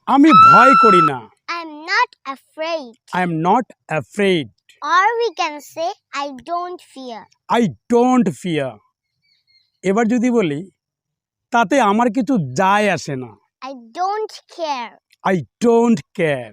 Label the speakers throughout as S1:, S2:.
S1: আমি ভয় করি না।
S2: I'm not afraid.
S1: I am not afraid.
S2: Or we can say, I don't fear.
S1: I don't fear. এবার যদি বলি তাতে আমার কিছু যায় আসে না।
S2: I don't care.
S1: I don't care.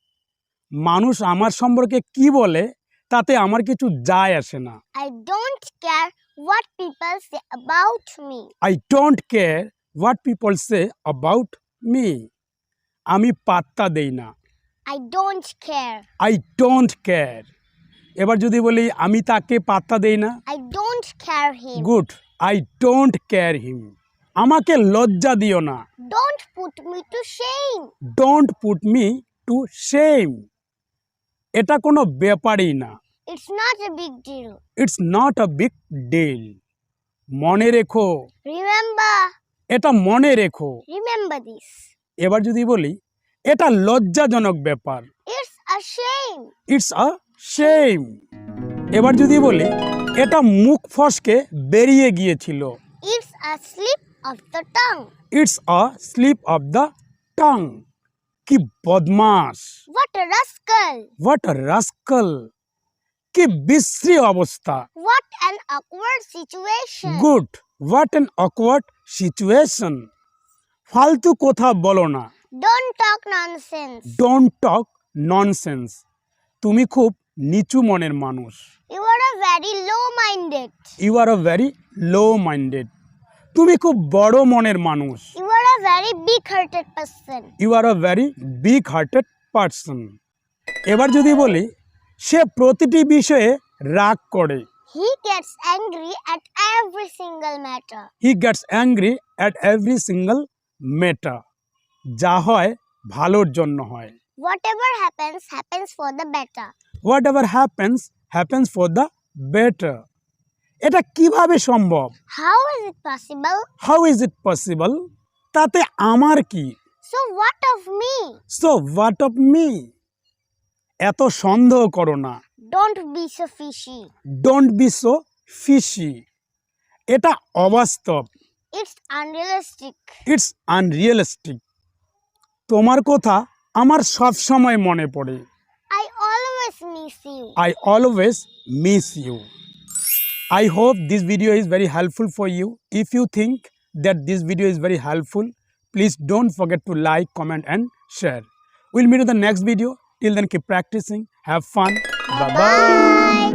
S1: মানুষ আমার সম্পর্কে কি বলে তাতে আমার কিছু যায় আসে না।
S2: I don't care what people say about me.
S1: I don't care what people say about me. আমি পাত্তা দেই না।
S2: I don't care.
S1: I don't care. এবার যদি বলি আমি তাকে পাত্তা দেই না।
S2: I don't care him.
S1: Good. I don't care him. আমাকে লজ্জা দিও না।
S2: Don't put me to shame.
S1: Don't put me to shame. এটা কোনো ব্যাপারই না।
S2: It's not a big deal.
S1: It's not a big deal. মনে রেখো।
S2: Remember.
S1: এটা মনে রেখো।
S2: Remember this.
S1: এবার যদি বলি এটা লজ্জাজনক ব্যাপার।
S2: It's a shame.
S1: It's a shame. এবার যদি বলি এটা মুখ ফসকে বেরিয়ে গিয়েছিল।
S2: It's a slip of the tongue.
S1: It's a slip of the tongue. কি বদমাশ।
S2: What a rascal.
S1: What a rascal. কি বিশ্রী অবস্থা।
S2: What an awkward situation.
S1: Good. What an awkward situation. ফালতু কথা বলো না।
S2: Don't talk nonsense.
S1: Don't talk nonsense. তুমি খুব নিচু মনের মানুষ।
S2: You are a very low-minded.
S1: You are a very low-minded. তুমি খুব বড় মনের মানুষ।
S2: You are a very big-hearted person.
S1: You are a very big-hearted person. এবার যদি বলি সে প্রতিটি বিষয়ে রাগ করে।
S2: He gets angry at every single matter.
S1: He gets angry at every single matter. যা হয় ভালোর জন্য হয়।
S2: Whatever happens, happens for the better.
S1: Whatever happens, happens for the better. এটা কিভাবে সম্ভব?
S2: How is it possible?
S1: How is it possible? তাতে আমার কি?
S2: So what of me?
S1: So what of me? এত সন্দেহ করো না।
S2: Don't be so fishy.
S1: Don't be so fishy. এটা অবাস্তব।
S2: It's unrealistic.
S1: It's unrealistic. তোমার কথা আমার সব সময় মনে পড়ে।
S2: I always miss you.
S1: I always miss you. I hope this video is very helpful for you. If you think that this video is very helpful, please don't forget to like, comment and share. We'll meet in the next video. Till then, keep practicing. Have fun. Bye-bye.